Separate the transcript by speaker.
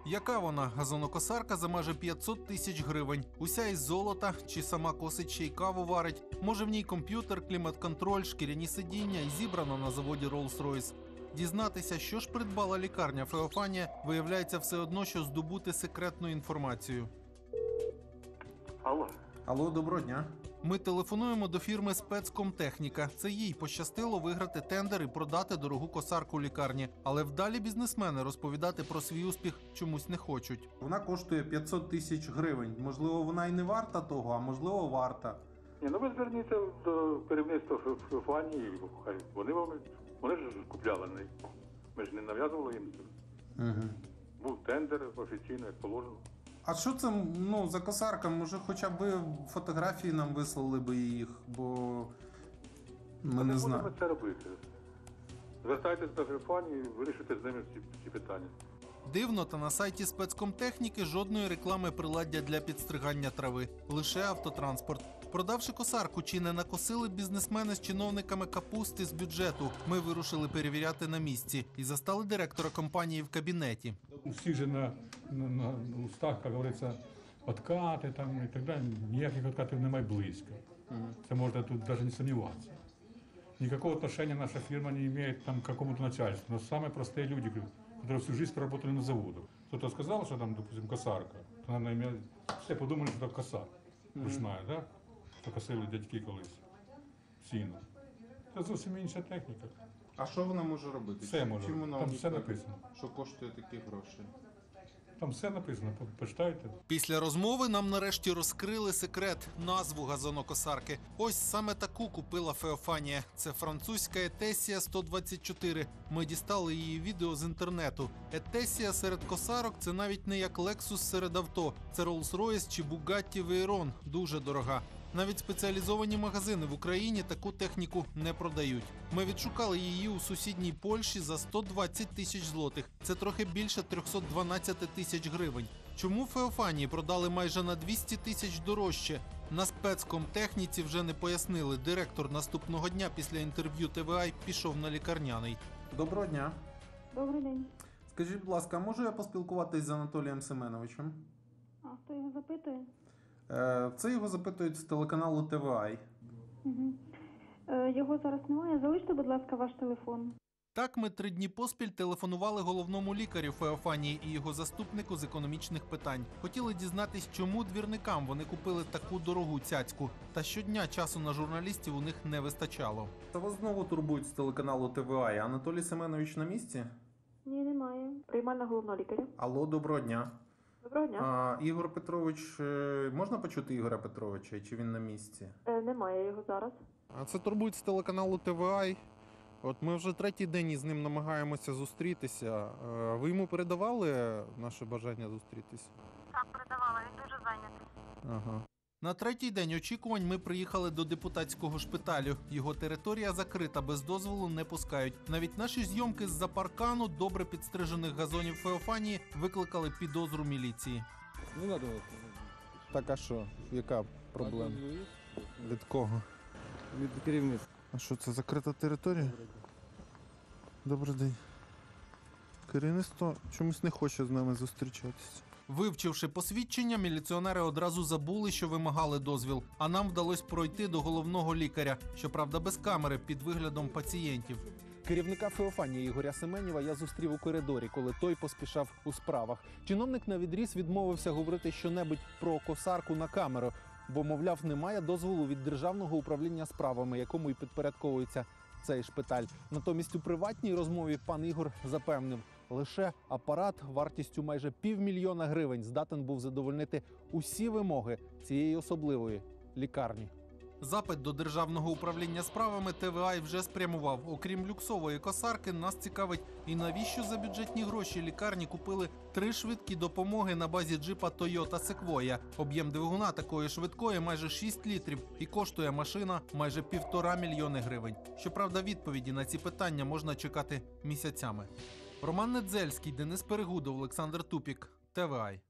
Speaker 1: Яка вона? Газонокосарка за майже 500 тисяч гривень. Уся із золота, чи сама косить, ще й каву варить. Може в ній комп'ютер, клімат-контроль, шкіряні сидіння і зібрано на заводі Rolls-Royce. Дізнатися, що ж придбала лікарня Феофанія, виявляється все одно, що здобути секретну інформацію.
Speaker 2: Алло.
Speaker 3: Алло, доброго дня.
Speaker 1: Ми телефонуємо до фірми «Спецкомтехніка». Це їй пощастило виграти тендер і продати дорогу косарку лікарні. Але вдалі бізнесмени розповідати про свій успіх чомусь не хочуть.
Speaker 3: Вона коштує 500 тисяч гривень. Можливо, вона і не варта того, а можливо, варта.
Speaker 2: Ні, ну ви зверніться до керівництва Феофанії, хай вони ж купляли неї. Ми ж не нав'язували їм.
Speaker 3: Угу.
Speaker 2: Був тендер офіційно, як положено.
Speaker 3: А що це за косарка? Може, хоча б фотографії нам вислали би їх, бо ми не знаємо.
Speaker 2: Будемо це робити. Звертайтесь до Феофанії, вирішуйте з ними ці питання.
Speaker 1: Дивно, та на сайті спецкомтехніки жодної реклами приладдя для підстригання трави. Лише автотранспорт. Продавши косарку, чи не накосили бізнесмени з чиновниками капусти з бюджету? Ми вирушили перевіряти на місці і застали директора компанії в кабінеті.
Speaker 4: У всіх же на устах, як говориться, откати там і так далі. Ніяких откатів немає близько. Це можна тут навіть не сумніватися. Никакого отношения наша фирма не имеет там, к какому-то начальству. Но самые простые люди, которые всю жизнь проработали на заводах. Кто-то сказал, что там, допустим, косарка, то, наверное, все подумали, что это коса ручная, да? Що косили дядьки колись. Сіно. Це зовсім інша техніка.
Speaker 3: А що вона може робити?
Speaker 4: Все може.
Speaker 3: Чим вона
Speaker 4: Там все
Speaker 3: унікальна?
Speaker 4: написано.
Speaker 3: Що коштує такі гроші?
Speaker 4: Там все написано, почитайте.
Speaker 1: Після розмови нам нарешті розкрили секрет – назву газонокосарки. Ось саме таку купила Феофанія. Це французька Етесія 124. Ми дістали її відео з інтернету. Етесія серед косарок – це навіть не як Lexus серед авто. Це Rolls-Royce чи Bugatti Veyron. Дуже дорога. Навіть спеціалізовані магазини в Україні таку техніку не продають. Ми відшукали її у сусідній Польщі за 120 тисяч злотих. Це трохи більше 312 тисяч гривень. Чому Феофанії продали майже на 200 тисяч дорожче? На спецкомтехніці вже не пояснили. Директор наступного дня після інтерв'ю ТВА пішов на лікарняний.
Speaker 3: Доброго дня.
Speaker 5: Добрий день.
Speaker 3: Скажіть, будь ласка, можу я поспілкуватись з Анатолієм Семеновичем?
Speaker 5: А хто його запитує?
Speaker 3: Це його запитують з телеканалу ТВА.
Speaker 5: Угу. Його зараз немає. Залиште, будь ласка, ваш телефон.
Speaker 1: Так ми 3 дні поспіль телефонували головному лікарю Феофанії і його заступнику з економічних питань. Хотіли дізнатись, чому двірникам вони купили таку дорогу цяцьку. Та щодня часу на журналістів у них не вистачало.
Speaker 3: Та вас знову турбують з телеканалу ТВА. Анатолій Семенович на місці?
Speaker 5: Ні, немає. Приймальна головного лікаря.
Speaker 3: Алло, доброго дня.
Speaker 5: Доброго дня.
Speaker 3: Ігор Петрович, можна почути Ігоря Петровича, чи він на місці?
Speaker 5: Немає його зараз.
Speaker 3: А це турбують з телеканалу ТВА. От ми вже 3-й день із ним намагаємося зустрітися. Ви йому передавали наше бажання зустрітися?
Speaker 6: Так, передавала, він дуже зайнятий.
Speaker 3: Ага.
Speaker 1: На 3-й день очікувань ми приїхали до депутатського шпиталю. Його територія закрита, без дозволу не пускають. Навіть наші зйомки з-за паркану добре підстрижених газонів Феофанії викликали підозру міліції.
Speaker 7: Не надо.
Speaker 3: Так, а що? Яка проблема? Від кого?
Speaker 7: Від керівництва.
Speaker 3: А що це, закрита територія? Добрий день. Керівництво чомусь не хоче з нами зустрічатися.
Speaker 1: Вивчивши посвідчення, міліціонери одразу забули, що вимагали дозвіл. А нам вдалося пройти до головного лікаря, щоправда без камери, під виглядом пацієнтів.
Speaker 8: Керівника Феофанії Ігоря Семенєва я зустрів у коридорі, коли той поспішав у справах. Чиновник навідріз відмовився говорити щонебудь про косарку на камеру, бо, мовляв, немає дозволу від Державного управління справами, якому і підпорядковується цей шпиталь. Натомість у приватній розмові пан Ігор запевнив, лише апарат вартістю майже 500 000 гривень здатен був задовольнити усі вимоги цієї особливої лікарні.
Speaker 1: Запит до Державного управління справами ТВА вже спрямував. Окрім люксової косарки, нас цікавить і навіщо за бюджетні гроші лікарні купили 3 швидкі допомоги на базі джипа Toyota Sequoia. Об'єм двигуна такої швидкої майже 6 літрів і коштує машина майже 1,5 мільйони гривень. Щоправда, відповіді на ці питання можна чекати місяцями. Роман Недзельський, Денис Перегудов, Олександр Тупік, ТВА.